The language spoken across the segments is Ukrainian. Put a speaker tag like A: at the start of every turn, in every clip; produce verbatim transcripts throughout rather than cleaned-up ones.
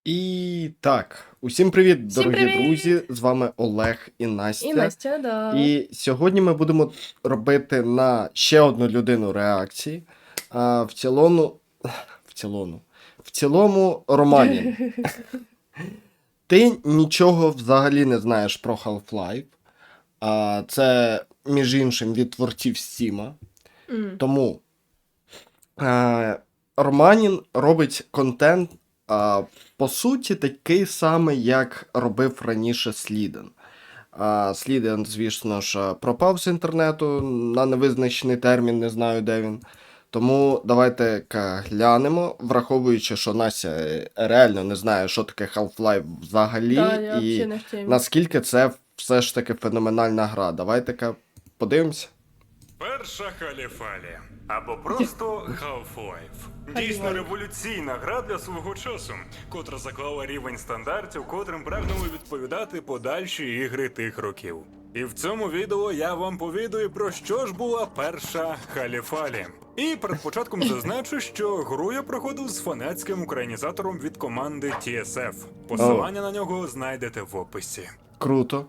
A: І так, усім привіт,
B: Всім
A: дорогі
B: привіт!
A: друзі! З вами Олег і Настя.
B: І Настя, да.
A: І сьогодні ми будемо робити на ще одну людину реакції. А, в цілому. В цілому. В цілому Романін. Ти нічого взагалі не знаєш про Half-Life. А, це, між іншим, від творців Стіма.
B: М.
A: Тому е, Романін робить контент, а, по суті, такий самий, як робив раніше Сліден. А, Сліден, звісно ж, пропав з інтернету на невизначений термін, не знаю, де він. Тому давайте глянемо, враховуючи, що Настя реально не знає, що таке Half-Life взагалі,
B: Да, я
A: і
B: взагалі не в темі.
A: наскільки це все ж таки феноменальна гра. Давайте-ка подивимося.
C: Перша Халіфалі, або просто Half-Life. Дійсно революційна гра для свого часу, котра заклала рівень стандартів, котрим прагнули відповідати подальші ігри тих років. І в цьому відео я вам повідаю, про що ж була перша Халіфалі. І перед початком зазначу, що гру я проходив з фанатським українізатором від команди Ті Ес Еф. Посилання на нього знайдете в описі.
A: Круто.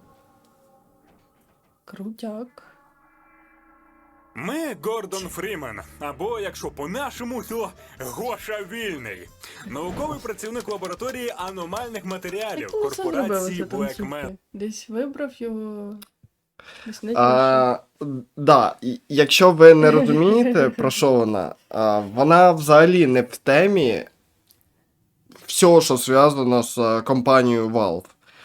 B: Крутяк.
C: Ми Гордон Фрімен, або, якщо по-нашому, то Гоша Вільний. Науковий працівник лабораторії аномальних матеріалів
B: Як це зробили
C: корпорації
B: це
C: Black Man.
B: танцювати? Десь вибрав його. Десь не
A: А, да, і якщо ви не розумієте, про що вона, а, вона взагалі не в темі всього, що зв'язано з а, компанією Valve.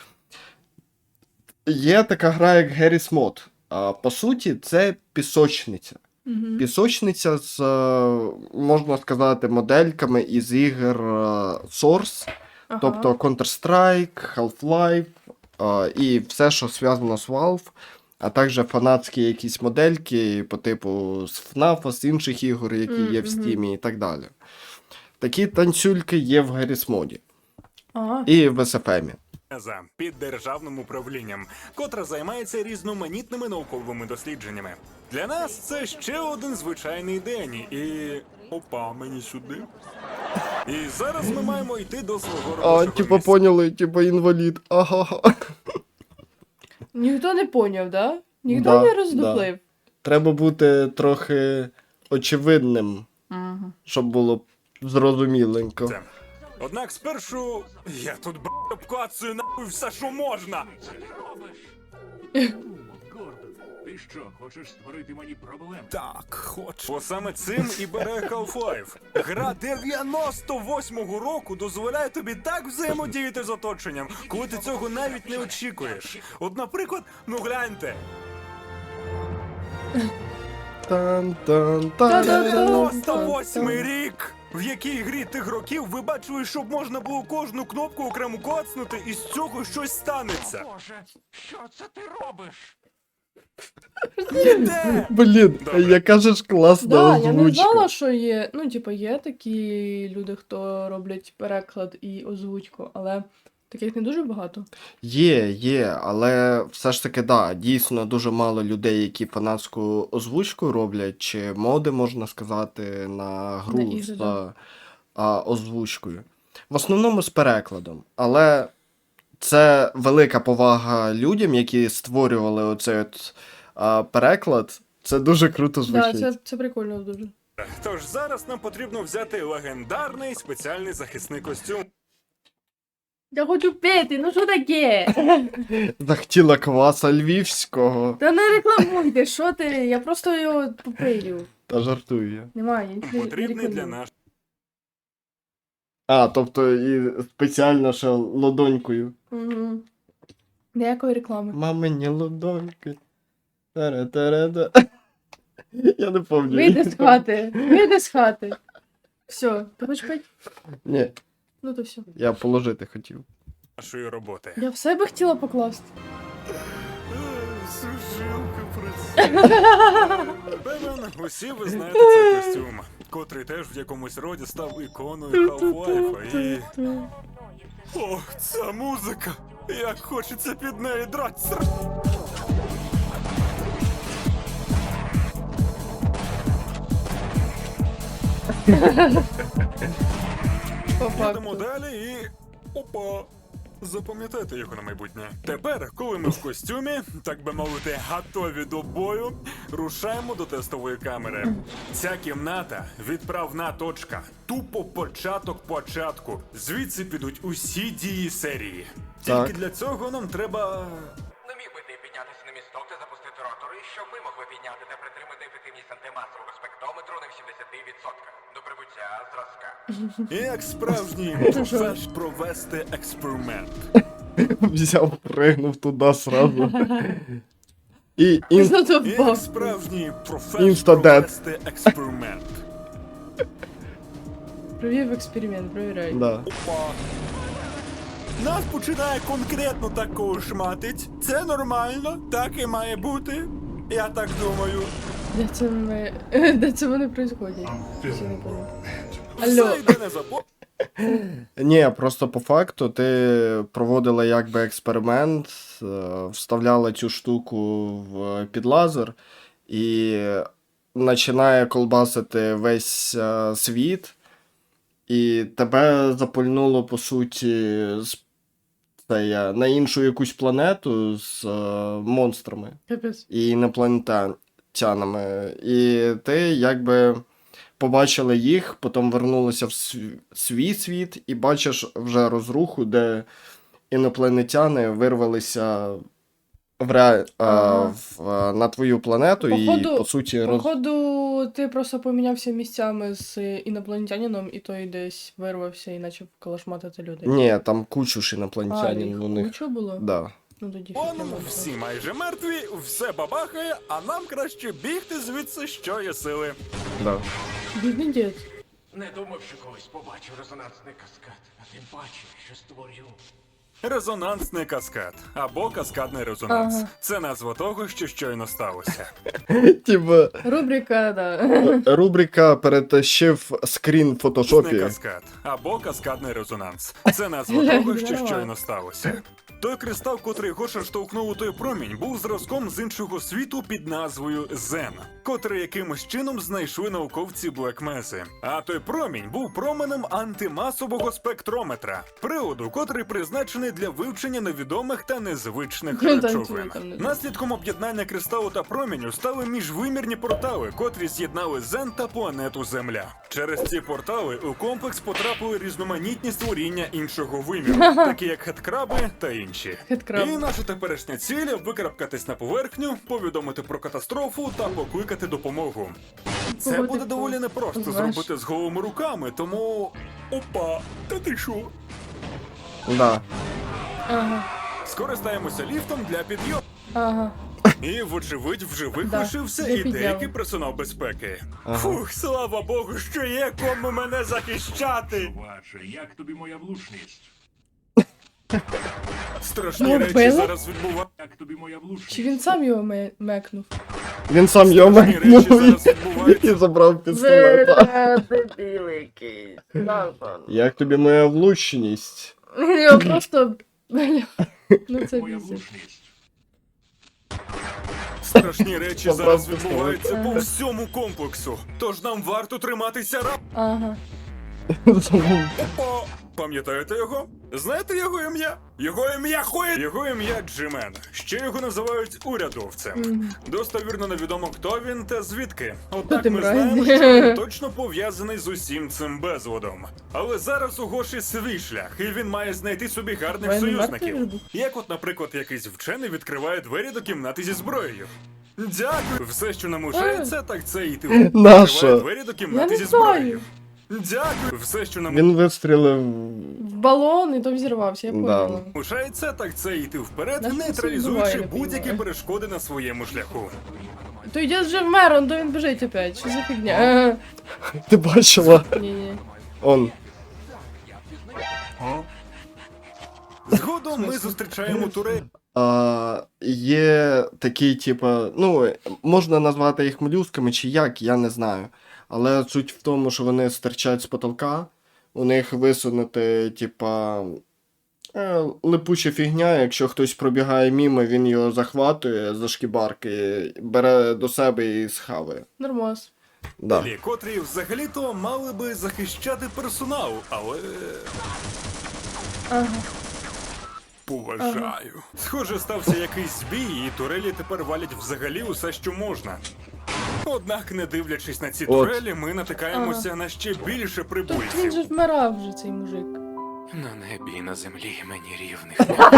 A: Є така гра, як Garry's Mod. А, по суті, це пісочниця.
B: Угу.
A: Пісочниця з, а, можна сказати, модельками із ігор а, Source,
B: Ага.
A: тобто Counter-Strike, Half-Life а, і все, що зв'язано з Valve. А також фанатські якісь модельки по типу з еф наф, з інших ігор, які є в
B: Мгм.
A: Steam і так далі. Такі танцюльки є в Garry's Mod
B: А,
A: і в ес еф ем.
C: За під державним управлінням, котра займається різноманітними науковими дослідженнями. Для нас це ще один звичайний день, і опа, мені сюди. І зараз ми маємо йти до свого
A: А,
C: робочого
A: типа
C: місця.
A: поняли, типа інвалід. Ага.
B: ніхто не поняв, да? Ніхто
A: Да,
B: не роздуплив.
A: Треба бути трохи очевидним,
B: Угу.
A: щоб було зрозуміленько.
C: Це. Однак спершу я тут б обклацую нахуй все, що можна.
D: Гордон, ти що, хочеш створити мені проблеми?
C: Так, хочу. Бо саме цим і бере Half-Life. Гра дев'яносто восьмого року дозволяє тобі так взаємодіяти з оточенням, коли ти цього навіть не очікуєш. От, наприклад, ну гляньте.
A: Тан-тан-тан.
C: дев'яносто восьмий рік! В якій грі тих років ви бачили, щоб можна було кожну кнопку окремо коцнути, і з цього щось станеться?
D: Боже, що це ти робиш?
C: Ніде!
A: Блін,
C: Добре.
A: яка же ж класна
B: Да, я не
A: озвучка.
B: знала, що є. Ну, типу, є такі люди, хто роблять переклад і озвучку, але таких не дуже багато.
A: Є, є, але все ж таки, да, дійсно дуже мало людей, які фанатську озвучку роблять, чи моди, можна сказати, на гру
B: На ігри,
A: з
B: да.
A: а, озвучкою. В основному з перекладом. Але це велика повага людям, які створювали оцей от а, переклад. Це дуже круто
B: Да,
A: звучить.
B: це, це прикольно дуже.
C: Тож зараз нам потрібно взяти легендарний спеціальний захисний костюм.
B: Я хочу пити, ну що таке?
A: Захотіла кваса львівського.
B: Та не рекламуйте, що ти? Я просто його попию.
A: Та жартую я.
B: Немає, я нічого не
C: Потрібний для
B: рекламую.
C: нас.
A: А, тобто і спеціально ще ладонькою.
B: Угу. Ніякої реклами.
A: Мамині ладоньки. Тара-тара-да. Я не пам'ятаю.
B: Вийди з хати, вийди з хати. Все, ти хочеш пити?
A: Ні,
B: Ну то все.
A: я положити хотів.
C: Нашої роботи.
B: Я в себе хотіла покласти.
C: Сушилка працює. Певен, усі ви знаєте цей костюм, котрий теж в якомусь роді став іконою Half-Life. І... Ох, ця музика! Як хочеться під неї драться!
B: По
C: Йдемо
B: факту.
C: далі і... Опа! Запам'ятайте його на майбутнє. Тепер, коли ми в костюмі, так би мовити, готові до бою, рушаємо до тестової камери. Ця кімната – відправна точка. Тупо початок початку. Звідси підуть усі дії серії. Тільки
A: Так.
C: для цього нам треба...
E: Не міг би ти піднятися на місток та запустити ротори, щоб ми могли підняти та притримати ефективність антимасового спектрометру на вісімдесят відсотків до прибуття зразка.
C: Як справжній профеш провести експеримент.
A: Взяв, пригнув туди сразу. І ін...
B: Зато
C: Як
B: впав.
C: справжній профеш
A: Insta-dead.
C: провести експеримент.
B: Провів експеримент, провіряй.
A: Да.
C: Опа. Нас починає конкретно так колошматить. Це нормально, так і має бути. Я так думаю.
B: Де це ми... Де це вони происходять? Ще не пам'ятаю. Алло.
C: Все йде не забо...
A: Ні, просто по факту ти проводила якби експеримент, е, вставляла цю штуку в під лазер і починає колбасити весь е, світ, і тебе запульнуло, по суті, з, це я, на іншу якусь планету з е, монстрами
B: Капець.
A: і інопланетянами. І ти якби побачила їх, потім вернулася в св- свій світ і бачиш вже розруху, де інопланетяни вирвалися в ре... а,
B: Ага.
A: в, а, на твою планету
B: Походу-
A: і, по суті, роз...
B: Походу, ти просто помінявся місцями з інопланетянином, і той десь вирвався і почав калашматити людей.
A: Ні, там кучу ж
B: А,
A: інопланетянин
B: їх
A: у них.
B: куча було?
A: Да.
B: Ну тоді
C: Он,
B: фіг не
C: всі майже мертві, все бабахає, а нам краще бігти звідси, що є сили.
A: Да.
B: Бідний дід.
E: Не думав, що колись побачу резонансний каскад, а тим паче, що створю.
C: Резонансний каскад або каскадний резонанс.
B: Ага.
C: Це назва того, що щойно сталося.
A: Типа,
B: Рубрика, да.
A: рубрика перетащив скрін в фотошопі.
C: Не каскад або каскадний резонанс. Це назва
B: Глянь,
C: того, що
B: нормально.
C: щойно сталося. Той кристал, котрий Гоша штовхнув у той промінь, був зразком з іншого світу під назвою Зен, котрий якимось чином знайшли науковці Блекмези. А той промінь був променем антимасового спектрометра, приладу, котрий призначений для вивчення невідомих та незвичних
B: Ну, там
C: речовин.
B: цього там не знаю.
C: Наслідком об'єднання кристалу та проміню стали міжвимірні портали, котрі з'єднали Зен та планету Земля. Через ці портали у комплекс потрапили різноманітні створіння іншого виміру, такі як хеткраби та інші.
B: Хеткраб.
C: І наша теперішня ціль – викарабкатись на поверхню, повідомити про катастрофу та покликати допомогу. Це
B: Кого
C: буде
B: ти
C: доволі непросто
B: позиваєш?
C: зробити з голими руками, тому... Опа, та ти що?
A: Да.
B: Ага,
C: Скористаємося ліфтом для підйому.
B: ага.
C: І, вочевидь, в живих
B: Да,
C: лишився
B: для
C: і
B: підйому.
C: деякий персонал безпеки.
A: Ага.
C: Фух, слава Богу, що є кому мене захищати.
D: Чуваче, як тобі моя влучність?
C: Страшні
B: Ну,
C: речі
B: вбили?
C: зараз відбуваються.
D: Як тобі моя влучність?
B: Чи він сам його ме- мекнув?
A: Він сам його
C: Страшні речі
A: мекнув
C: зараз
A: і-
C: відбуваються.
A: і забрав пістолета.
B: дебіл якийсь.
A: Як тобі моя влучність?
B: Його просто... Бля. Ну це
D: Моя
B: бісить.
D: влучність.
C: Страшні речі
A: Забрав
C: зараз
A: пістолет.
C: відбуваються по
B: Ага.
C: всьому комплексу. Тож нам варто триматися рап.
B: Ага.
C: Опа! Пам'ятаєте його? Знаєте його ім'я? Його ім'я хує! Його ім'я Джимен. Ще його називають урядовцем.
B: Мгм.
C: Достовірно невідомо, хто він та звідки.
B: Хто
C: Однак
B: ти,
C: ми
B: мразь?
C: знаємо, що він точно пов'язаний з усім цим безладом. Але зараз у Гоші свій шлях, і він має знайти собі гарних
B: Воєнний
C: союзників.
B: мертвий
C: Як от, наприклад, якийсь вчений відкриває двері до кімнати зі зброєю. Дякую. Все, що нам лишається, так це йти.
A: Наша.
C: Відкриває двері до кімнати
B: Я
C: зі
B: не знаю.
C: зброєю. Дякую. Все, що нам
A: Він вистрілив.
B: В балон і то взірвався, я
A: Да.
B: поняла.
C: лишається, так це йти вперед,
B: Нащо це
C: нейтралізуючи
B: відбуває, не
C: будь-які
B: понімаю.
C: перешкоди на своєму шляху.
B: То йде вже вмер, он то він біжить опять. Що за фігня? Ага.
A: Ти бачила?
B: Ні-ні.
A: Он.
C: Згодом ми зустрічаємо турель.
A: А, є такі, типа, ну, можна назвати їх молюсками чи як, я не знаю. Але суть в тому, що вони стирчать з потолка, у них висунути, типа, е, липуча фігня, якщо хтось пробігає мімо, він його захватує за шкібарки, бере до себе і схаває.
B: Нормас.
A: Да.
C: Котрі взагалі-то мали би захищати персонал, але
B: Ага.
C: Поважаю. Схоже, стався якийсь збій, і турелі тепер валять взагалі усе, що можна. Однак, не дивлячись на ці
A: От.
C: турелі, ми натикаємося на ще більше
B: Тут він
C: прибульців.
B: же вмирав вже, цей мужик.
E: На небі і на землі мені рівних.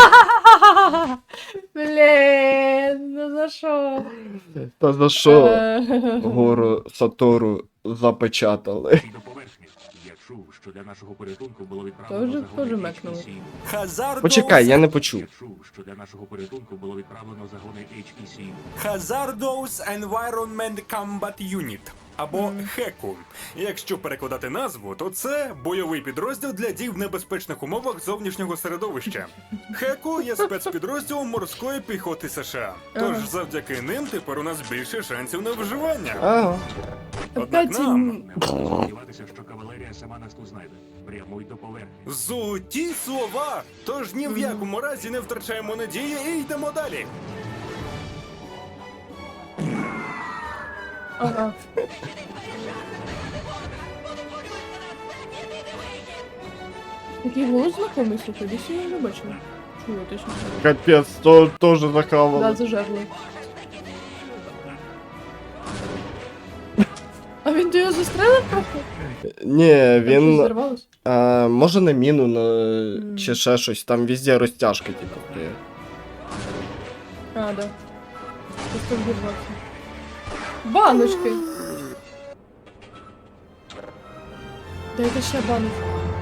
B: Блін, ну за що?
A: Та за що
B: Е,
A: гору Сатору запечатали?
D: До поверхні. Я чув, що для нашого порятунку було відправлено
B: Тоже-
D: загони
B: тоже
D: Ейч
B: мекнули.
D: І Сі.
C: Hazardous,
A: Почекай, я не почув.
D: Я чув, що для нашого порятунку було відправлено загони Ейч І Сі.
C: Hazardous Environment Combat Unit, або хеку. Якщо перекладати назву, то це бойовий підрозділ для дій в небезпечних умовах зовнішнього середовища. Хеку є спецпідрозділом морської піхоти США. Тож
B: Ага.
C: завдяки ним тепер у нас більше шансів на виживання.
A: Ага.
C: Однак
B: Опять
C: нам
B: м,
D: Не можна сподіватися, що кавалерія сама нас тут знайде. Прямуй до поверхні.
C: золоті слова! Тож ні в якому разі не втрачаємо надії і йдемо далі.
B: Ага. Такий голос знакомий, слухай, десь я його не бачила. Чула, точно.
A: Капець, то теж
B: Да,
A: захавали.
B: зажерли. А він до його застрелив трохи?
A: Ні,
B: Там щось
A: він.
B: зірвалось?
A: А, може на міну на...
B: Мгм.
A: чи ще щось, там везде розтяжки, типу. є.
B: А, да. Просто взорвався. Баночки! Дайте ще баночку.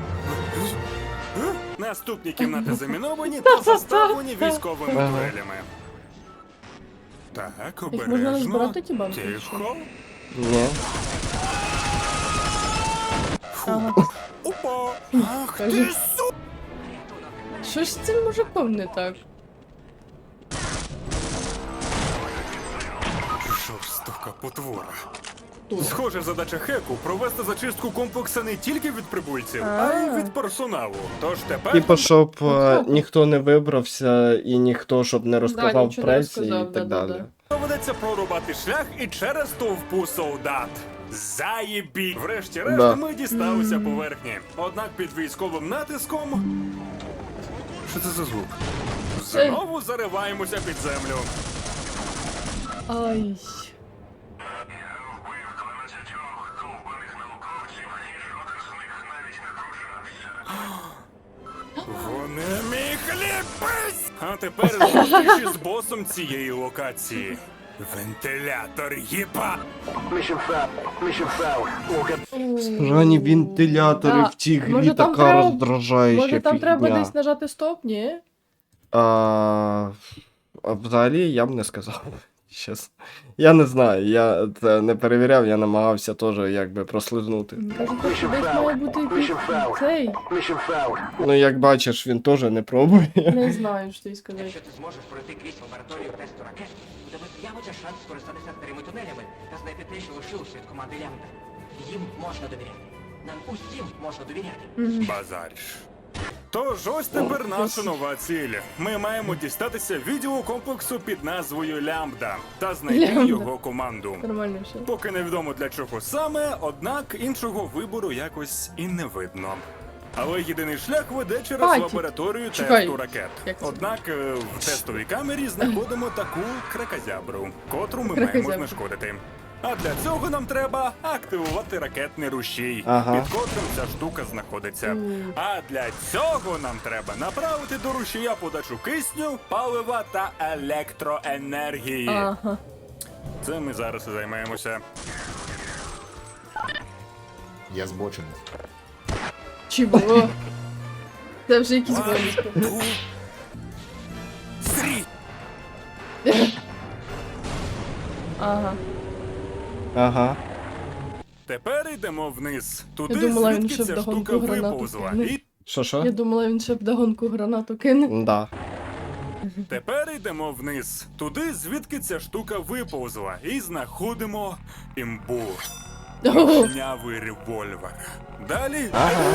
C: Наступні кімнати заміновані та заставлені військовими
A: Ага.
C: турелями. Так,
B: Їх можна
C: обережно.
B: розбирати, ті банки?
C: Тихо.
A: Ні.
B: Ага.
C: Опа! Ах ти
B: Кажи.
C: су...
B: Що ж з цим мужиком не так?
C: Жорстока потвора.
B: Тут.
C: Схоже, задача Хеку провести зачистку комплексу не тільки від прибульців, а й
B: А.
C: від персоналу. Тож тепер
A: Типа, щоб е,
B: Ага.
A: ніхто не вибрався і ніхто щоб не розказав в
B: нічого не
A: пресі і
B: розказав,
A: так
B: да-да-да.
A: далі.
C: доведеться прорубати шлях і через товпу солдат. Заєбі! Врешті-решт
A: Да.
C: ми дісталися поверхні. Однак під військовим натиском. Що це за звук? Знову зариваємося під землю.
B: Ай.
C: Вони мій хлібець! А тепер зустрічі з босом цієї локації. Вентилятор їба!
A: Срані вентилятори
B: Да.
A: в цій грі
B: Може, там
A: така
B: треба-
A: роздражаюча
B: Може там треба
A: фігня.
B: десь нажати стоп, ні?
A: А, а взагалі я б не сказав. Щас. Я не знаю, я це не перевіряв, я намагався теж якби прослизнути.
B: Мені кажуть, що десь має бути якийсь цей.
A: Ну, як бачиш, він теж не пробує.
B: Не знаю, що тобі сказати.
E: Якщо ти зможеш пройти крізь лабораторію тесту ракет, у тебе з'явиться шанс скористатися старими тунелями та знайти те, що лишилося від команди Лямбда. Їм можна довіряти. Нам усім можна довіряти.
B: Мгм.
C: Базариш. Тож ось тепер наша нова ціль. Ми маємо дістатися відділу комплексу під назвою Лямбда та знайти
B: Лямбда.
C: його команду.
B: Нормально все.
C: Поки невідомо для чого саме, однак іншого вибору якось і не видно. Але єдиний шлях веде через
B: Паті.
C: лабораторію
B: Чекай.
C: тесту ракет.
B: Як це?
C: Однак е, в тестовій камері знаходимо таку кракозябру, котру ми
B: Кракозябру.
C: маємо знешкодити. А для цього нам треба активувати ракетний рушій,
A: Ага.
C: під котрим ця штука знаходиться.
B: Мгм.
C: А для цього нам треба направити до рушія подачу кисню, палива та електроенергії.
B: Ага.
C: Це ми зараз і займаємося.
F: Я збочений.
B: Чого? Це вже якісь
C: One,
B: боліски.
C: two, three.
B: Ага.
A: Ага.
C: Тепер йдемо вниз. Туди,
B: Я думала, він
C: звідки
B: ще
C: ця
B: вдогонку
C: штука
B: гранату
C: виповзла.
B: кинув.
C: І
A: Що що?
B: Я думала, він ще б догонку гранату кине.
A: Да.
C: тепер йдемо вниз. Туди, звідки ця штука виповзла. І знаходимо імбу.
B: Ого.
C: Гнявий револьвер. Далі
A: Ага.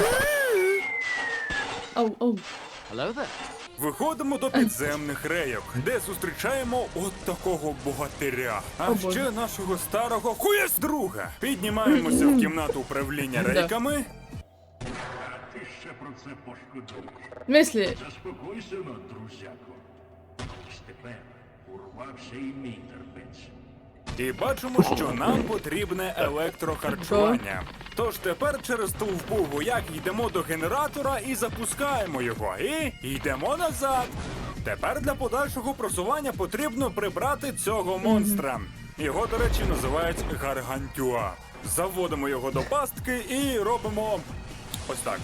B: Ау, ау.
C: виходимо до підземних рейок, де зустрічаємо от такого богатиря. А
B: О, Боже.
C: ще нашого старого хуєс друга. Піднімаємося в кімнату управління
B: Да.
C: рейками.
D: Ти ще про це пошкодуєш.
B: В смислі?
D: Заспокойся, но, друзяко. Ось тепер урвався і мій терпець.
C: І бачимо, що нам потрібне електрохарчування. Тож тепер через товпу вояк йдемо до генератора і запускаємо його. І йдемо назад. Тепер для подальшого просування потрібно прибрати цього монстра. Його, до речі, називають Гаргантюа. Заводимо його до пастки і робимо ось так.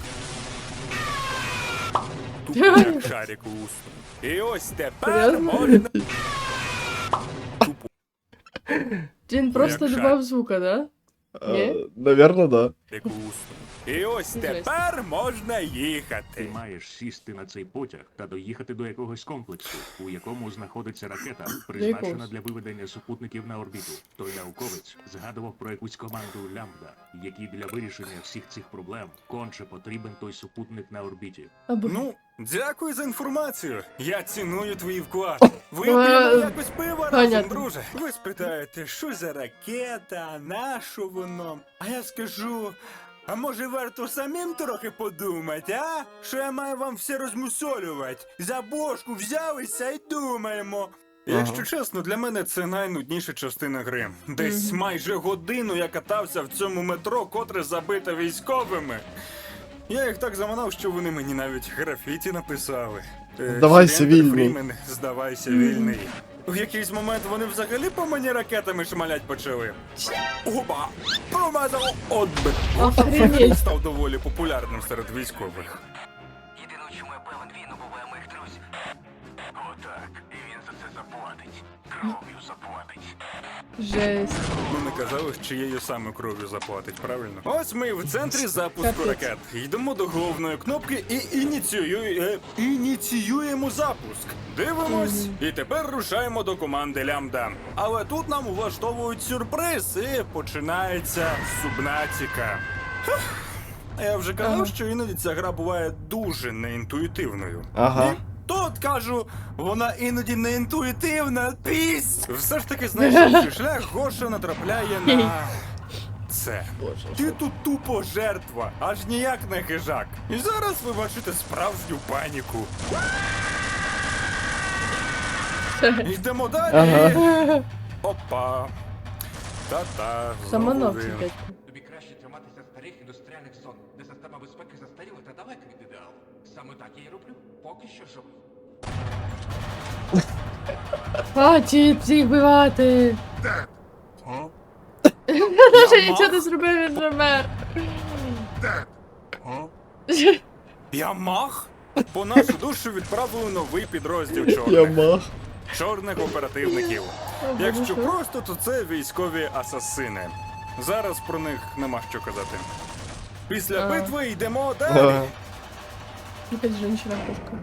C: Тупо як шарик у ус. І ось тепер
B: Серйозно?
C: можна... Тупо.
B: Він просто
C: як
B: додав звука, да? Ні?
A: Е, Навірно, да.
C: Як у ус. І ось тепер можна
D: Ти
C: їхати.
D: маєш сісти на цей потяг та доїхати до якогось комплексу, у якому знаходиться ракета, призначена
B: якогось?
D: для виведення супутників на орбіту. Той науковець згадував про якусь команду Лямбда, якій для вирішення всіх цих проблем конче потрібен той супутник на орбіті.
B: Або...
C: Ну, дякую за інформацію. Я ціную твій вклад. Вип'ємо
B: Е,
C: якось пива разом,
B: понятно.
C: друже. Ви спитаєте, що за ракета, на що воно? А я скажу, а може варто самим трохи подумати, а? Що я маю вам все розмусолювати? За бошку взялися і думаємо. Якщо чесно, для мене це найнудніша частина гри. Десь майже годину я катався в цьому метро, котре забите військовими. Я їх так заманав, що вони мені навіть графіті написали. Е,
A: Здавайся,
C: «Студент
A: вільний».
C: Фрімен, здавайся вільний. В якийсь момент вони взагалі по мені ракетами шмалять почали. Опа! Промазав! От би!
B: Охренеть.
C: Став доволі популярним серед військових.
E: Єдине, у чому я певен, він убиває моїх друзів. Отак, і він за це заплатить. Кров'ю заплатить.
B: Жесть.
C: Ну не казали, з чиєю саме кров'ю заплатить, правильно? Ось ми в центрі запуску
B: Капець.
C: ракет. Йдемо до головної кнопки і ініціює... е, ініціюємо запуск. Дивимось, і тепер рушаємо до команди Лямбда. Але тут нам влаштовують сюрприз, і починається субнатіка. Хех. Я вже казав,
B: Ага.
C: що іноді ця гра буває дуже неінтуїтивною.
A: Ага.
C: І тут кажу, вона іноді не інтуїтивна. Пісь! Все ж таки, знайшовши шлях, Гоша натрапляє на це. Ти тут тупо жертва, аж ніяк не хижак. І зараз ви бачите справжню паніку. Йдемо далі.
A: Ага.
C: Опа. Та-та. знову
B: Самонов
C: він.
B: дядько.
E: Тобі краще триматися старих індустріальних зон, де система безпеки застаріла та далека від ідеалу. Саме так я й роблю, поки що живий.
B: Хватить всіх вбивати!
C: О?
B: Даже
C: Я
B: нічого
C: мах?
B: не зробив, він же мер.
C: О? Я мах? По нашу душу відправили новий підрозділ
A: Я
C: чорних.
A: мах.
C: Чорних оперативників.
B: О,
C: Якщо
B: Боже, що?
C: просто, то це військові асасини. Зараз про них нема що казати. Після
B: Ага.
C: битви йдемо далі.
A: Ага.
B: Якась жінчина кошка.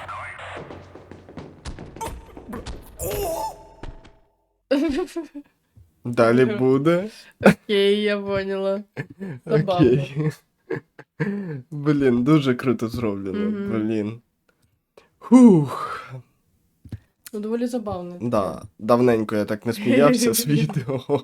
A: Далі буде.
B: Окей, я поняла. Забавно.
A: Окей. Блін, дуже круто зроблено.
B: Мгм.
A: Блін. Хух.
B: Ну, доволі забавно.
A: Да, давненько я так не сміявся з відео.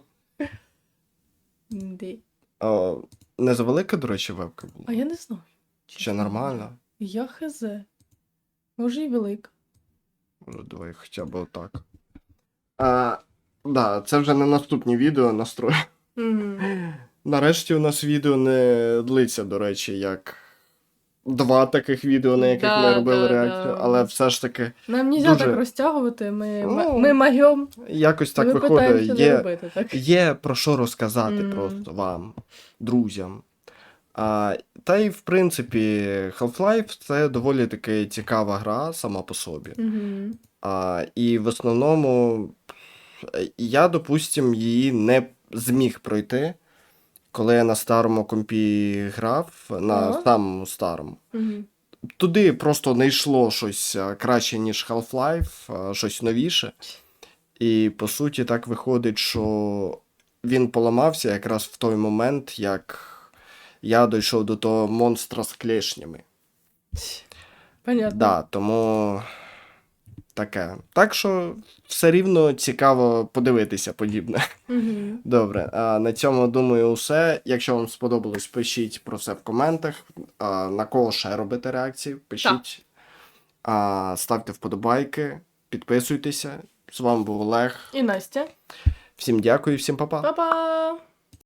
B: Де?
A: А, не завелика, до речі, вебка була?
B: А я не знаю.
A: Чи нормально?
B: Я хз. Може і велика.
A: Може, давай хоча б отак. А, да, це вже на наступні відео настрою.
B: Мгм.
A: Нарешті у нас відео не длиться, до речі, як два таких відео, на яких
B: Да,
A: ми робили
B: да,
A: реакцію,
B: да.
A: але все ж таки
B: Нам нельзя
A: Дуже-
B: так розтягувати, ми,
A: Ну,
B: ми магіом,
A: якось так
B: ми
A: виходить.
B: питаємося не
A: Є,
B: робити, так?
A: є про що розказати
B: Мгм.
A: просто вам, друзям. А, та й в принципі, Half-Life це доволі таки цікава гра сама по собі.
B: Угу.
A: А, і в основному я, допустим, її не зміг пройти, коли я на старому компі грав, на
B: Ага.
A: самому старому.
B: Угу.
A: Туди просто не йшло щось а, краще, ніж Half-Life, а, щось новіше. І по суті так виходить, що він поламався якраз в той момент, як я дійшов до того монстра з клешнями.
B: Понятно.
A: Да, тому таке. Так що все рівно цікаво подивитися подібне.
B: Угу.
A: Добре, а на цьому, думаю, все. Якщо вам сподобалось, пишіть про це в коментах. А, на кого ще робити реакції, пишіть. А, ставте вподобайки, підписуйтеся. З вами був Олег.
B: І Настя.
A: Всім дякую, всім па-па.
B: Па-па!